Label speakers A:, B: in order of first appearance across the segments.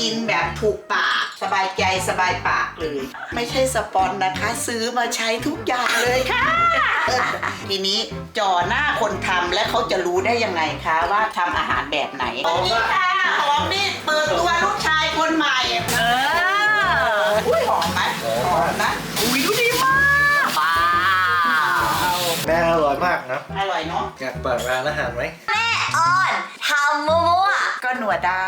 A: กินแบบถูกปากสบายใจสบายปากเลยไม่ใช่สปอนนะคะ ซื้อมาใช้ทุกอย่างเลยค่ะ ทีนี้จ่อหน้าคนทำและเขาจะรู้ได้ยังไงคะว่าทำอาหารแบบไหนสวัสดีค่ะหอมนี่เปิดตัวลูกชายคนใหม่อุ้ยหอมไหมหอมนะอุ้ยดูดีมากว้าว
B: แม่อร่อยมากนะ
A: อร่อยเนาะ
B: อยากเปิดร้านอาหารไหม
C: แม่ออนทำมั่ว
A: ก็หนัวได้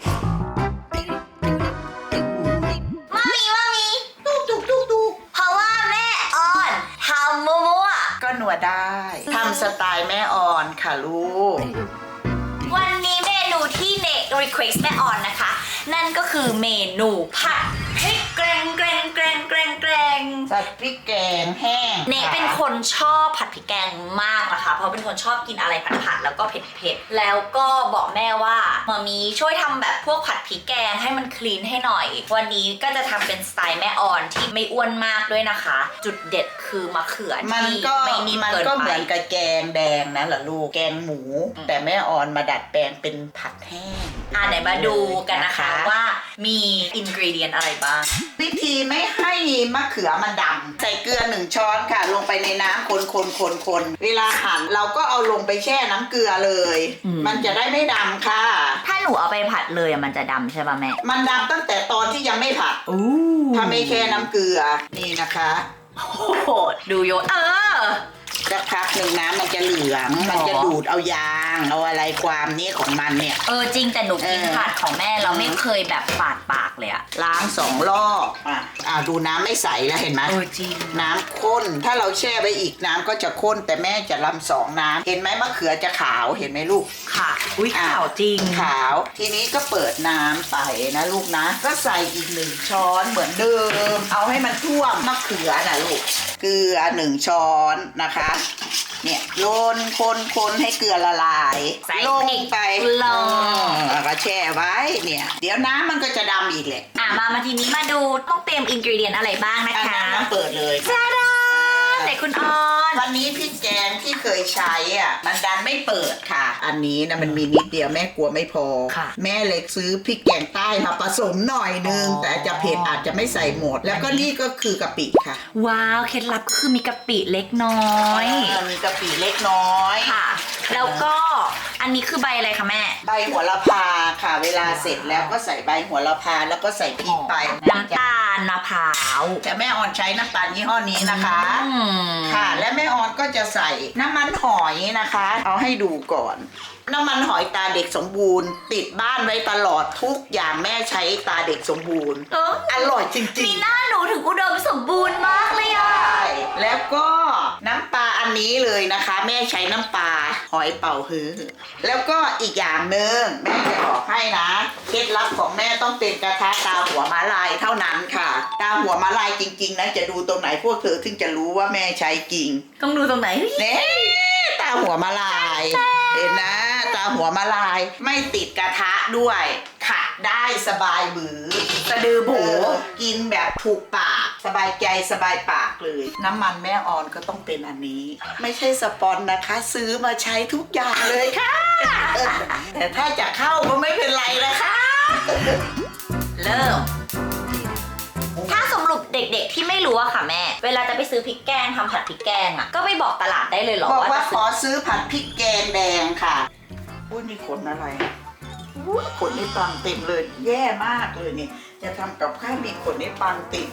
C: ๆมามี
A: ตุ๊กตุ๊กตุ๊กตุ๊ก
C: เพราะว่าแม่ออนทำมั่ว
A: ก็หนัวได้ทำสไตล์แม่ออนค่ะลูก
C: ๆวันนี้เมนูที่เนทรีเควสแม่ออนนะคะ นั่นก็คือเมนูผัดพริกแกง
A: ผัดพริกแกงแห้ง
C: เนทเป็นคนชอบผัดพริกแกงมากนะคะ เพราะเป็นคนชอบกินอะไรผัดๆแล้วก็เผ็ดๆแล้วก็บอกแม่ว่ามามีช่วยทำแบบพวกผัดพริกแกงให้มันคลีนให้หน่อย วันนี้ก็จะทำเป็นสไตล์แม่ออนที่ไม่อ้วนมากด้วยนะคะ จุดเด็ดคือมะเขือ
A: มัน
C: ที่
A: ก็
C: ไม่นิ่ม
A: มัน
C: เกิน
A: ก็
C: ไป
A: เหมือนกับแกงแดงนะเหรอลูกแกงหมู แต่แม่ออนมาดัดแปลงเป็นผัดแห้ง
C: ไหนมาดูกันนะคะว่ามีอินกรีเดียนอะไรบ้าง
A: วิธีไม่ให้มะเขือมันดำใส่เกลือ1 ช้อนค่ะ ลงไปในน้ำคนเวลาหั่นเราก็เอาลงไปแช่น้ำเกลือเลย มันจะได้ไม่ดำค่ะ
C: ถ้าหนูเอาไปผัดเลยมันจะดำใช่ป่ะแม่
A: มันดำตั้งแต่ตอนที่ยังไม่ผัดถ้าไม่แช่น้ำเกลือนี่นะคะ
C: โอ้โหดูโยน
A: สักพักหนึ่งน้ำมันจะเหลืองมันจะดูดเอายางเอาอะไรความนี้ของมันเนี่ย
C: จริงแต่หนูกินผัดของแม่เราไม่เคยแบบปาดปากเลยอะ
A: ล้าง2 รอบดูน้ำไม่ใสแล้วเห็นไหม
C: จริง
A: น้ำข้นถ้าเราแช่ไว้อีกน้ำก็จะข้นแต่แม่จะลำ2 น้ำเห็นไหมมะเขือจะขาวเห็นไหมลูก
C: ค่ะอุ้ยขาวจริง
A: ขาวทีนี้ก็เปิดน้ำไปนะลูกนะก็ใส่อีก1 ช้อนเหมือนเดิมเอาให้มันท่วมมะเขือนะลูกเกลือ1 ช้อนนะคะเนี่ยโยนคนให้เกลือละลาย
C: ใส่
A: ลงไป
C: ลง
A: แล้วก็แช่ไว้เนี่ยเดี๋ยวน้ำมันก็จะดำอีกแหละ
C: มาทีนี้มาดูต้องเตรียมอินกรีเดียนอะไรบ้างนะ
A: อัน
C: คะ
A: นั้นมาเปิดเลย
C: จ้าดาเด็กคุณออน
A: วันนี้พริกแกงที่เคยใช้มันดันไม่เปิดค่ะ อันนี้นะมันมีนิดเดียวแม่กลัวไม่พอ แม่เลยซื้อพริกแกงใต้มาผสมหน่อยนึงแต่จะเผ็ดอาจจะไม่ใส่หมด แล้วก็นี่ก็คือกะปิค่ะ
C: ว้าวเคล็ดลับก็คือมีกะปิเล็กน้อย
A: มีกะปิเล็กน้อย
C: ค่ะ แล้วก็อันนี้คือใบอะไรคะแม่
A: ใบโหระพาค่ะ เวลาเสร็จแล้วก็ใส่ใบโหระพาแล้วก็ใส่พริกไป
C: น้ำตาลมะพร้าว
A: แต่แม่ออนใช้น้ำตาลยี่ห้อนี้นะคะ
C: อืม
A: ค่ะและแม่ออนก็จะใส่น้ำมันหอยนะคะ เอาให้ดูก่อน น้ำมันหอยตาเด็กสมบูรณ์ ติดบ้านไว้ตลอดทุกอย่างแม่ใช้ตาเด็กสมบูรณ์อร่อยจริ
C: มี
A: ง
C: หน้าหนูถึงอุดมสมบูรณ์มากเลย
A: ๆ
C: อ่ะ
A: ใช่แล้วก็น้ำปลาอันนี้เลยนะคะ แม่ใช้น้ำปลาหอยเป่าฮื้อแล้วก็อีกอย่างหนึ่งแม่จะบอกให้นะเคล็ดลับของแม่ต้องเป็นกระทะตาหัวม้าลายเท่านั้นค่ะตาหัวม้าลายจริงๆนะจะดูตรงไหนพวกเธอถึงจะรู้ว่าแม่ใช้จริง
C: ต้องดูตรงไหน
A: เน่ตาหัวมาลายเห็นนะตาหัวมาลายไม่ติดกระทะด้วยขัดได้สบายมือสะดือโบกินแบบถูกปากสบายใจสบายปากเลย น้ำมันแม่ออนก็ต้องเป็นอันนี้ ไม่ใช่สปอนนะคะ ซื้อมาใช้ทุกอย่างเลยค่ะ แต่ถ้าจะเข้าก็ไม่เป็นไรนะคะ
C: เริ่ม ถ้าสรุปเด็กๆที่ไม่รู้อะค่ะแม่ เวลาจะไปซื้อพริกแกงทำผัดพริกแกงอะก็ไปบอกตลาดได้เลยเหรอ
A: บอกว่า
C: จะ
A: ขอซื้อผัดพริกแกงแดงค่ะอุ้ยมีขนอะไรอุ้ยขนในปังเต็มเลย แย่มากเลยนี่จะทำกับข้าวมีขนในปังติด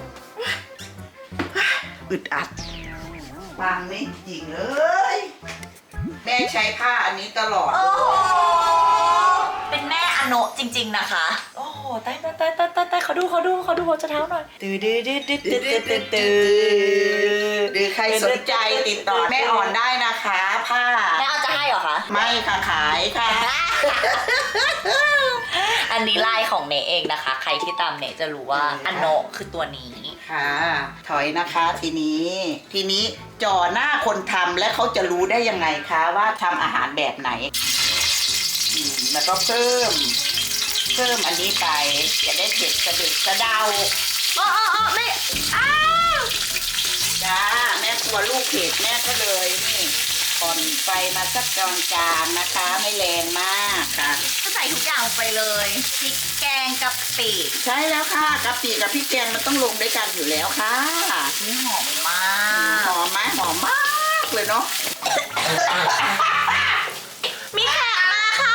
A: อึดอัดปังนี่จริงเลยแม่ใช้ผ้าอันนี้ตลอด
C: โอ้โหเป็นแม่อโนะจริงๆนะคะ โอ้โหตายเขาดูหัวจะเท้าหน่อยตื้อ
A: หรือใครสนใจติดต่อแม่อ่อนได้นะคะผ้า
C: แม่เอาจะให้เหรอคะ
A: ไม่ค่ะขายค่ะ
C: อันนี้ลายของเนเองนะคะ ใครที่ตามเนจะรู้ว่าอโนะคือตัวนี้
A: ค่ะถอยนะคะทีนี้จ่อหน้าคนทำและเขาจะรู้ได้ยังไงคะว่าทำอาหารแบบไหนแล้วก็เพิ่มอันนี้ไปจะได้เผ็ดสะดึกสะเดา
C: ไม่
A: จ้าแม่กลัวลูกเผ็ดแม่ก็เลยนี่ผ่อนไฟมาสักกลางๆนะคะไม่แรงมากค่ะ
C: ก็ใส่ทุกอย่างงไปเลยพริกแกงกะปิ
A: ใช่แล้วค่ะกะปิกับพริกแกงมันต้องลงด้วยกันอยู่แล้วค่ะ
C: นี่หอมมาก
A: หอมไหมหอมมากเลยเนาะ
C: มีแขกมาค่ะ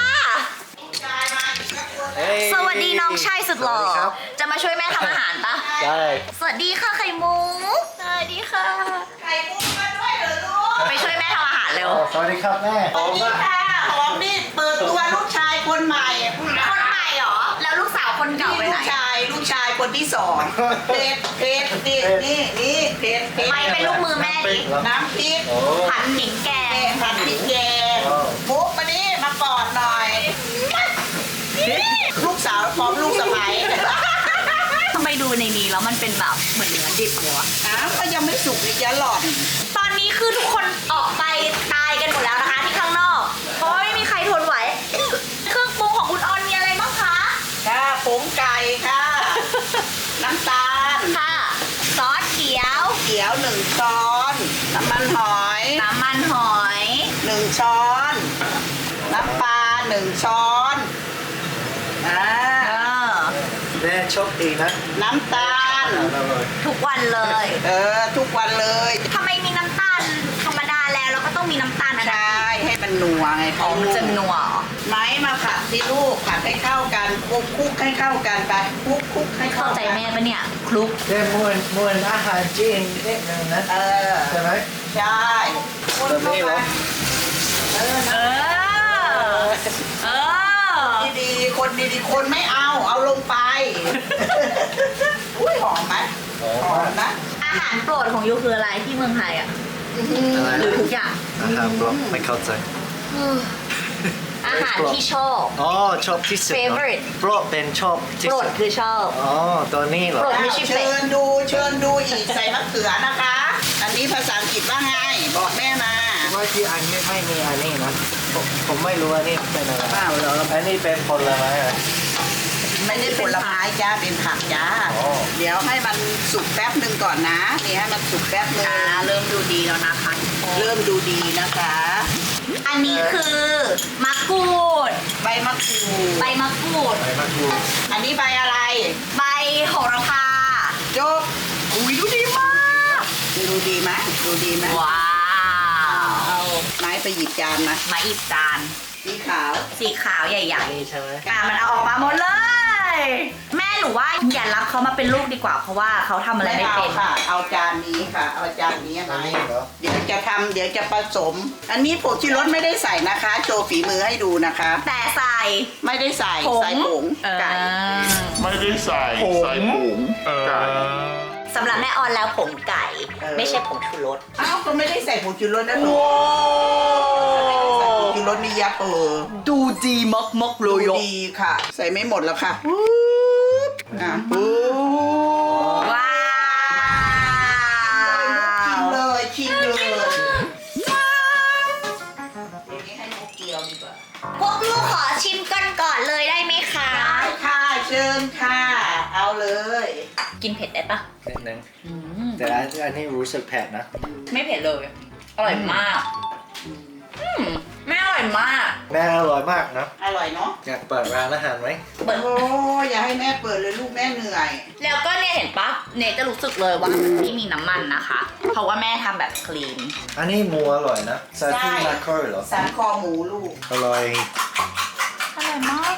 B: เฮ้ย
C: สวัสดีน้องชายสุดหล่อ
B: สวัสดีครับ
C: จะมาช่วยแม่ทำอาหารปะ
B: ได้
C: สวัสดีค่ะไข่มุกสวัสดีค่ะ
A: ไข่มุกมาด้วยเหรอลูก
C: ไปช่วยแม่ทำอาหารเร็ว
B: สวัสดีครับแม่
A: สวัสดีค่ะหอมนี่เปิดตัวลูกชายคนใหม่
C: คนใหม่เหรอ แล้วลูกสาวคนเก่าไป
A: นี่
C: ไหน
A: ลูกชายคนที่สองเพชรนี่เพชร
C: ไปเป็นลูกมือแม่ดิ
A: น้ำพริก
B: โอ้
C: ผัดพริกแกง
A: ผัดพริกแกงมุกมานี่มากอดหน่อย ลูกสาวพร้อมลูกสะใภ้
C: ทำไมดูในนี้แล้วมันเป็นแบบเหมือนเนื้อดิบเลยวะ
A: อ้าวก็ยังไม่สุกอีกจะหล่อน
C: ตอนนี้คือทุกคนออกไปตายกันหมดแล้วนะคะที่ข้างนอก เพราะว่าไม่มีใครทนไหว เครื่องปรุงของคุณออนมีอะไรบ้างคะ
A: ค่ะผงไก่ค่ะ น้ำตาล
C: ค่ะ ซอสเขียว
A: เขียว1 ช้อน น้ำมันหอย
C: น้ำมันหอย
A: 1 ช้อน น้ำปลา1 ช้อนอ่า
B: แม่โชคดีนะ
A: น้ำตาล
B: อร่อย
C: ทุกวันเลย
A: ทุกวันเลย
C: ทำไมมีน้ำตาลธรรมดาแล้วก็ต้องมีน้ำตาลอะไร
A: ใช่ให้มันนัวไง
C: อ๋อมันจะนัวเหรอ
A: ไม้มาผัดที่ลูกผัดให้เข้ากันคลุกให้เข้ากันไปคลุกให้เข้า
C: เข้าใจ
A: กัน
C: แม่ปะเนี่ย คลุก
B: แม่มวนอาหารจีนนิดนึงนะ ใช่ไหม
A: ใช่คน
B: แบบ
A: เข้า
B: นี้เหร
A: มา
B: อ
C: เออ เออ
A: ดีๆคนดีๆคนไม่เอาลงไป อุ้ยหอมไหมหอมนะ
C: อาหารโปรดของยูคืออะไรที่เมืองไทยอ่ะ
B: อะไร
C: หรือ
B: นะ
C: ทุกอย่าง
B: อาหารบล็อกไม่เข้าใจ
C: อาหารที่ชอบ
B: อ๋อชอบที่สุดเนอะ
C: Favorite
B: โปรดเป็นชอบที่
C: โปร
B: สุ
C: ด
B: ด
C: คือชอบ
B: อ๋อตัวนี้เหรอ
C: โปรด ไม่ใช่เป็ด
A: เชิญดูอีกใส่มะเขือนะคะ อันนี้ภาษาอังกฤษว่าไง บอกแม่มา
B: ว่าที่อันนี้ไม่มีอันนี้นะผมไม่รู้อันนี้เป็นอะไร
A: เปล่าเหรอ
B: อันนี้เป็นผลไม้อะไร
A: ไม่ได้ผลไม้จ้าเป็นผักจ้า
B: อ๋อ
A: เดี๋ยวให้มันสุกแป๊บหนึ่งก่อนนะนี่ให้มันสุกแป๊บหนึ่ง
C: เริ่มดูดีแล้วนะคะ
A: เริ่มดูดีนะคะ
C: อันนี้คือมะกรูด
A: ใบมะกรูด
C: ใบมะกรูด
B: ใบมะกรูด
A: อันนี้ใบอะไร
C: ใบโหระพา
A: จบอุ้ยดูดีมากดูดีไหมดูดีไหม
C: ว้าว
A: เอาไม้ไปหยิบจานมา
C: มาอีกจาน
A: สีขาว
C: สีขาวใหญ่
B: นี่ใช่ไหม
C: ๆมันเอาออกมาหมดเลย แม่หนูว่าอย่ารับเขามาเป็นลูกดีกว่า เพราะว่าเขาทำอะไรไม่
A: เอา
C: เป็น
A: ค่ะ เอาจานนี้ค่ะ เอาจานนี้
B: อั
A: นะ
B: นนี้เหรอ
A: เดี๋ยวจะผสม อันนี้ผงชูรสไม่ได้ใส่นะคะ โชว์ฝีมือให้ดูนะคะ
C: แต่ใส่
A: ไม่ได้ใส่
C: ผง
A: ใส่ผงไก่
D: ไม่ได้ใส่ใส่ผงไก่
C: สำหรับแม่ออนแล้วผงไก่ ไม่ใช่ผงชูรส
A: อ้าวก็ไม่ได้ใส่ผงชูรสนะหนูใส่ผงชูรสนี่ยับ
C: ดูดีมากๆเล
A: ดู
C: ย
A: ดีค่ะ ใส่ไม่หมดแล้วค่ะปุ๊บ
C: ว้าว
A: ชิมเลยอย่างนี้ให้นกเกียวดีกว่า
C: พวกลูกขอชิมกันก่อนเลยได้ไหมคะ
A: ได้ค่ะเชิญค่ะ เอาเลย
C: กินเผ็ดได้ปะ
B: นิดนึงแต่อันนี้รู้สึกแผ็ดนะ
C: ไม่เผ็ดเลย อร่อยมากไม่อร่อยมาก
B: แม่อร่อยมากนะ
A: อร่อยเนาะ
B: อยากเปิดร้านอาหารไหม
C: เปิด
A: โอ้อย่าให้แม่เปิดเลยลูกแม่เหนื่อย
C: แล้วก็เนี่ยเห็นปะเนยจะรู้สึกเลยว่ามันไม่มีน้ำมันนะคะ เพราะว่าแม่ทำแบบคลีน
B: อันนี้หมูอร่อยนะซาที่
A: ใช่
B: มาคอร์เหรอ
A: สันคอหมูลูก
B: อร่อย
C: อร่อยมาก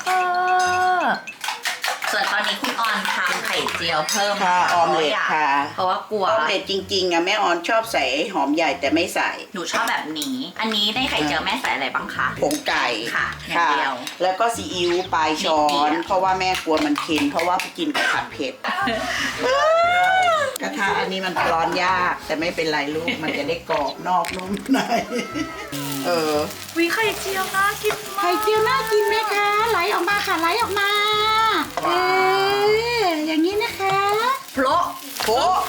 C: ส่วนตอนนี้คุณออนทำไข่เจียวเพิ่ม
A: ค่ะออมเล็ตค่ะ
C: เพราะว่ากลัว
A: ออมเล็ตจริงๆอะแม่ออนชอบใส่หอมใหญ่แต่ไม่ใส่
C: หนูชอบแบบนี้ อันนี้ในไข่เจียวแม่ใส่อะไรบ้างคะ
A: ผงไก่
C: ค่ะอย่างเดียว
A: แล้วก็ซีอิ๊วปลายช้อ
C: นิดเดี
A: น
C: ยว
A: เพราะว่าแม่กลัวมันเค็มเพราะว่าไปกินกับผัดเผ็ด กระทะอันนี้มันร้อนยาก แต่ไม่เป็นไรลูกมันจะได้กรอบนอกนุ่มใน
C: วิไข่เจียวน่ากินมาก
A: ไข่เจียวน่ากินไหมคะ ไหลออกมาค่ะไหลออกมาอย่างนี้นะคะ
C: โพละ
A: โป๊ะ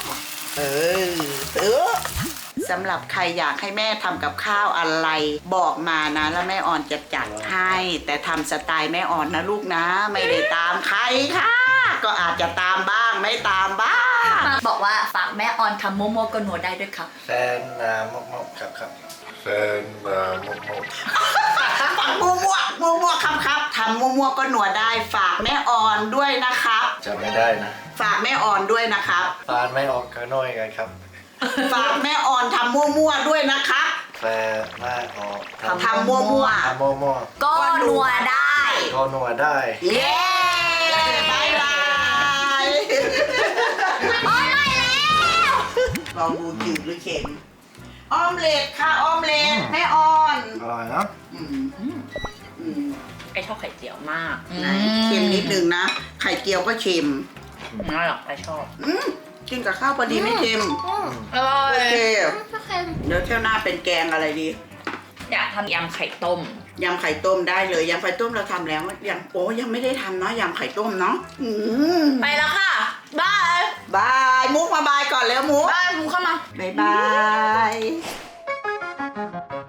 A: สำหรับใครอยากให้แม่ทำกับข้าวอะไร บอกมานะแล้วแม่ออนจะจัดให้ แต่ทำสไตล์แม่ออนนะลูกนะ ไม่ได้ตามใครค่ะ ก็อาจจะตามบ้างไม่ตามบ้าง
C: บอกว่าฝากแม่ออนทำโมโมโกโนได้ด้วยครับ
B: แฟนมกครับ
D: แฟนมามก
A: ปังมัวคำครับทำมั่วๆก็นัวได้ฝากแม่ออนด้วยนะครับ
B: จำไม่ได้นะ
A: ฝากแม่ออนด้วยนะครับ
B: ฟานไม่ออกก็น้อยกันครับ
A: ฝากแม่ออนทำมั่วๆด้วยนะครับ
B: แฟไม่ออก
A: ทำมั่ว
B: ทำมั่ว
C: ก็นัวได้
B: ๆก็นัวได้
A: ๆเย้บายบาย
C: โอ้ยไม่แล้ว
A: ลองดูจืดหรือเค็มออมเล็ตค่ะออมเล็ตแม่ออน
B: อร่อยนะ
A: อืม
C: ไอชอบไข่เจียวมาก
A: ไหนเค็มนิดนึงนะ ไข่เจียวก็เค็ม
C: น่าหรอกไอชอบ
A: กินกับข้าวพอดีไม่เค็ม
C: อร่อย
A: โอเคเดี๋ยวเที่ยวหน้าเป็นแกงอะไรดี
C: อยากทำยำไข่ต้ม
A: ยำไข่ต้มได้เลยยำไข่ต้มเราทำแล้วยังไม่ได้ทำเนาะยำไข่ต้มเนาะ
C: ไปแล้วค่ะบาย
A: บายมุกมาบายก่อนแล้วมุก
C: บายคุณเข้ามา
A: บายบาย